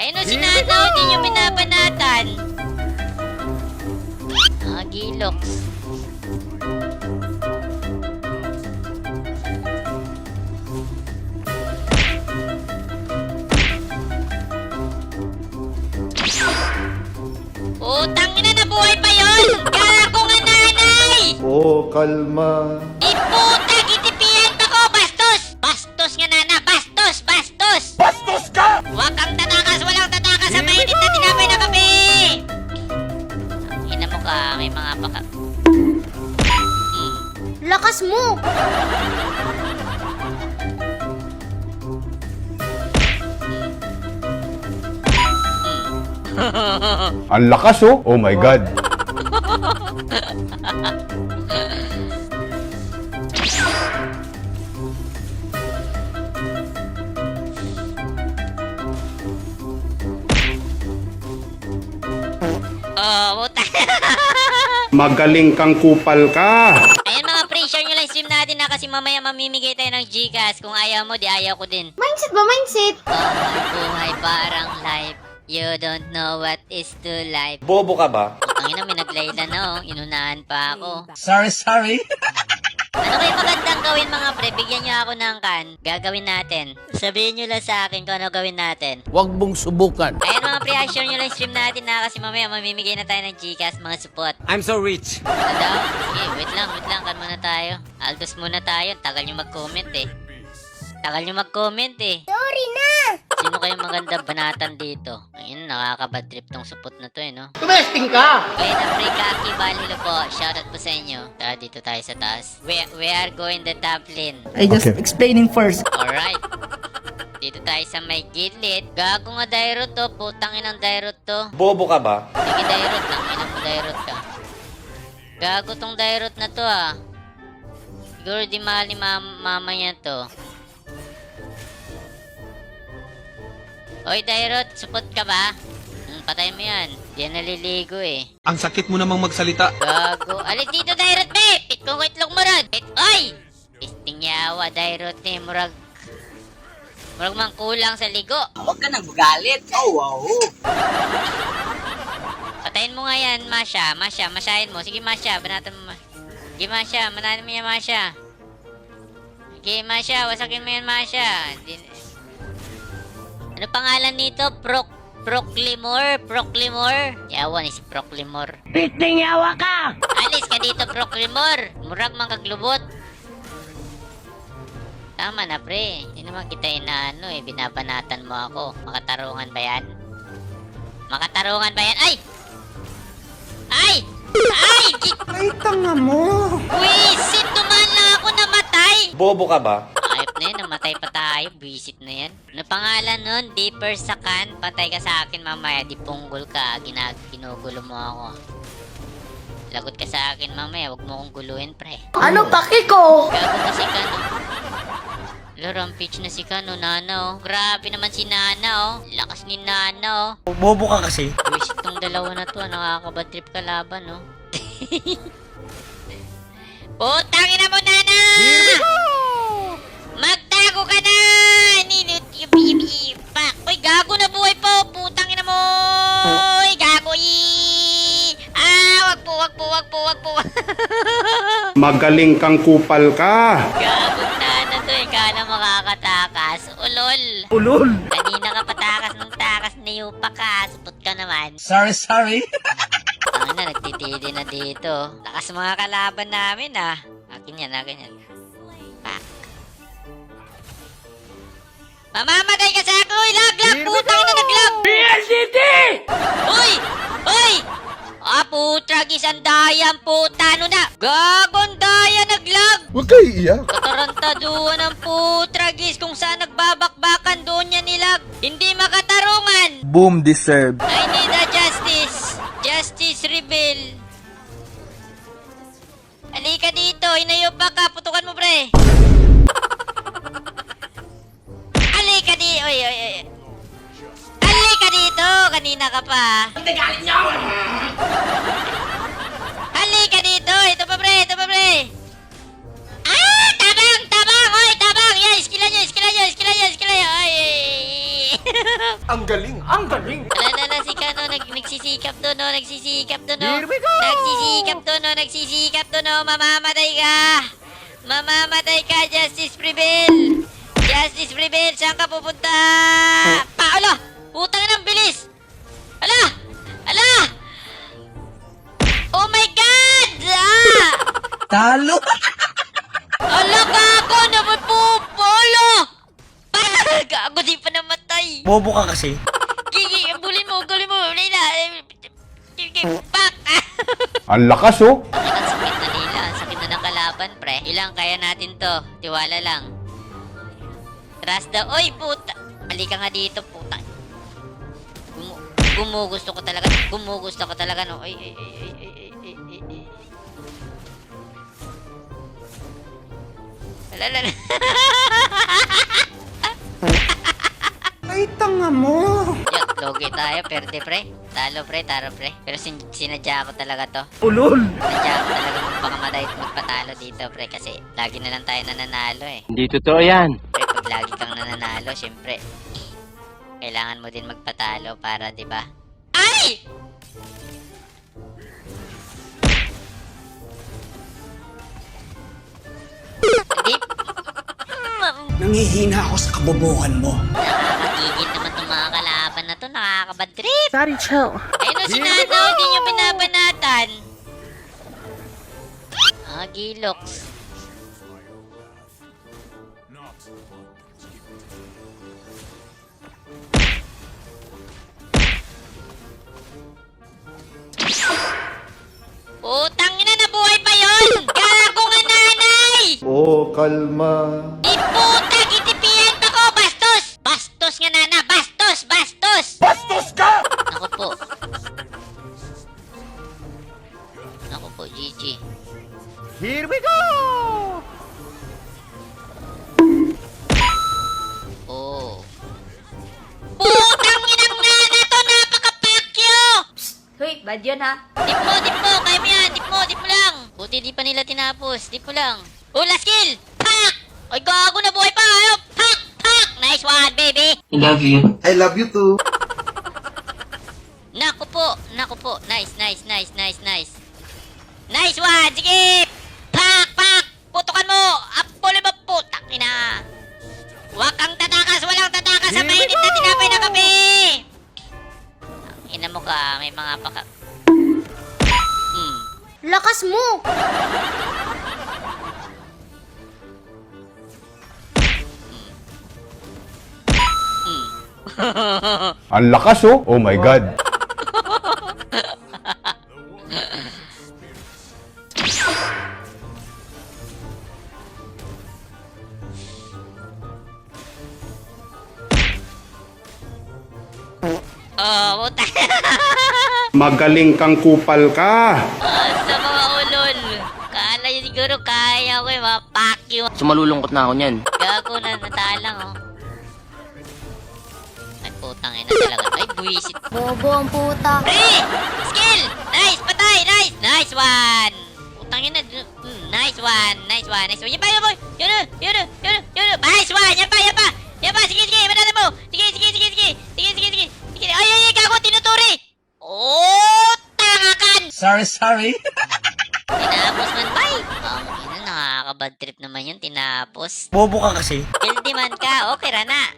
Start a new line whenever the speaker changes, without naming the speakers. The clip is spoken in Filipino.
Ayun o, si Nanaw, hindi nyo binabanatan. Gilox. Utang ina, nabuhay pa yun! Gago nga nanay!
Oh, kalma.
Di puta, gitipihan pa ko! Bastos! Bastos nga nana! Bastos! Bastos!
Bastos ka!
Huwag kang tatakas! Walang tatakas sa mainit na tinapay na kape! Ang ina mo ka, may mga baka...
Lakas mo!
Ang lakas oh. Oh my God.
Oh, puta!
Magaling kang kupal ka.
Ayan mga pre, share nyo lang stream natin na kasi mamaya mamimigay tayo ng Gcash. Kung ayaw mo, di ayaw ko din.
Mindset ba? Mindset?
Oh, buhay parang life. You don't know what is to life.
Bobo ka ba?
Ang ina, may naglayla na oh. Inunahan pa ako.
Sorry.
Ano kayo magandang gawin mga pre? Bigyan nyo ako ng kan. Gagawin natin. Sabihin nyo lang sa akin kung ano gawin natin.
Huwag mong subukan.
Ayan mga pre, share nyo lang stream natin na kasi mamaya mamimigay na tayo ng Gcash mga support.
I'm so rich.
Ano daw? Sige, wait lang. Kan muna tayo. Aldos muna tayo. Tagal nyo mag-comment eh.
Sorry na!
Sino kayong maganda banatan dito? Ayun, nakakabad trip tong supot na to eh, no?
Tumesting ka!
Plain Africa, Kibal, hello po. Shoutout po sa inyo. Tara, dito tayo sa taas. We are going the top lane.
I just explaining first.
Alright. Dito tayo sa may gilid. Gago nga Dairot to. Putang inang Dairot to.
Bobo ka ba?
Sige Dairot, tangina mo Dairot ka. Gago tong Dairot na to ah. Siguro di mahal ni mama niya to. Hoy Dairot, support ka ba? Patay mo yan. Di yan naliligo eh.
Ang sakit mo namang magsalita.
Gago. Alis dito Dairot be! Pit kong itlog mo ron! Pit! Oy! Pisting yawa Dairot eh. Murag mang kulang sa ligo.
Huwag ka nang magalit. Oh, wow.
Patayin mo nga yan, Masha. Masyahin mo. Sige, Masha. Banatan mo. Sige, Masha. Manahin mo yan, Masha. Sige, Masha. Wasakin mo yan, Masha. Ano pangalan nito? Proclimor? Yawa ni si Proclimor.
Pisting yawa ka!
Alis ka dito, Proclimor. Murag mang kaglubot. Tama na, pre. Hindi naman kita inaano eh. Binabanatan mo ako. Makatarungan ba yan? Ay! Ay!
Ay, tanga mo!
Wisit! Dumaan lang ako namatay!
Bobo ka ba?
Ayop na yun. Namatay pa tayo. Wisit na yan. Ano pangalan nun? Deeper Sakan. Patay ka sa akin mamaya. Di punggol ka. Ginugulo mo ako. Lagot ka sa akin mamaya. Huwag mo kong guluhin, pre.
Ano paki ko?
Gago kasi ka, no? Rampage na si Kano, Nana, oh. Grabe naman si Nana, oh. Lakas ni Nana, oh.
Bobo ka kasi.
Wish itong dalawa na to, nakakabad trip kalaban, oh. Putang ina mo, Nana! Magtago ka na! Ninit yung bibi. Pak! Uy, gago na buhay po! Putang ina mo! Uy, gago! Wag po.
Magaling kang kupal ka.
Gago na to, kala makakatakas.
Ulol!
Kanina ka patakas ng takas na yupa ka. Supot ka naman.
Sorry.
Ano na, nagtitili na dito. Lakas mga kalaban namin ah. Akin yan. Pak. Mamamatay ka sa ako! Laglag! Putang na naglag!
PLDT!
Uy! Putragis ang dayan puta. Ano na? Gagong daya naglag!
Huwag kayo iiyak.
Katarantaduan ng putragis. Kung saan nagbabakbakan doon niya nilag. Hindi makatarungan.
Boom deserve.
I need a justice. Justice reveal. Halika dito. Inayo pa ka. Putukan mo, pre. Halika dito. Oy. Halika dito. Kanina ka pa.
Hindi galit niyo!
Halika dito. Ito pa, pre. Tabang. Oy, tabang. Yan, iskila nyo. Ay.
Ang galing. Ang galing.
Alala si Kano, nagsisikap doon, no? Nagsisikap doon, no?
Here we go!
Nagsisikap doon, no? Nagsisikap doon, no? Mamamatay ka! Mamamatay ka, Justice Prevail! Justice Prevail, saan ka pupunta? Ala! Putang ng bilis! Ala! Ala! Oh my God! Ah!
Talo!
Ala, gago! Naman po! Polo! Gago, di pa namatay!
Bobo ka kasi.
Gigi, bulin mo! Wala na! Gigi, pak!
Ang lakas oh.
Ang sakit na nila. Ang sakit na ng kalaban, pre. Ilang kaya natin to. Tiwala lang. Trust the... Oy, puta! Halika nga dito, puta. Gumugusto ko talaga. Gumugusto ko talaga, no? Ay. Alala.
Ay, tanga mo.
Yak, logi tayo. Perde, pre. Talo, pre. Taro, pre. Pero sinadya ko talaga to.
Ulol.
Sinadya ko talaga magpakamatay at magpatalo dito, pre. Kasi lagi na lang tayo nananalo, eh.
Hindi totoo yan.
Pre, pag lagi kang nananalo, syempre, kailangan mo din magpatalo para, di ba? Ay! Hindi.
Nangihina ako sa kabobohan mo.
Nakakagigil naman itong mga kalaban na to. Nakakabad trip.
Daddy, chill.
Ayun o, si Nanaw. Hindi nyo binabanatan. Gilox. Putang ina, nabuhay pa yun! Gago nga nanay!
Oh, kalma.
Di puta, gitipihan pa ko! Bastos! Bastos nga nana! Bastos! Bastos!
Bastos ka!
Ako po. Ako po, GG.
Here we go!
Oh. Putang inang nana to! Napaka-pakyo!
Hoy, bad yun ha.
Dip mo! Kaya mo yan! Dip mo lang! Buti di pa nila tinapos. Dip mo lang. Oh, last kill! Pak! Ay, gago na buhay pa! Ano? Pak! Nice one, baby!
I love you too.
Naku po. Nice. Nice one! Sige! Pak! Putukan mo! Apole mo, putang ina! Huwag kang tatakas! Walang tatakas sa mainit na tinapay na kape! Ina mo ka, may mga paka...
Lakas mo.
Ang lakas oh. Oh my God.
Oh, puta!
Magaling kang kupal ka.
Sa mga ulol! Kala nyo siguro kaya ko yung mga pakyo.
Sumalulungkot na ako niyan.
Gago na, natalang oh. Ay, putang ina talaga. Ay, buwisit.
Bobo ang puta.
Pre! Skill! Nice! Patay! Nice! Nice one! Putang ina. Nice one! Yan pa! Nice one! Yan pa! Sige! Manalo mo! Sige! Ay! Gago! Tinuturi! Oh! Tangakan!
Sorry.
Tinapos man ba? Nakakabad trip naman yun. Tinapos.
Bobo ka kasi.
Healthy man ka. Okay ra na.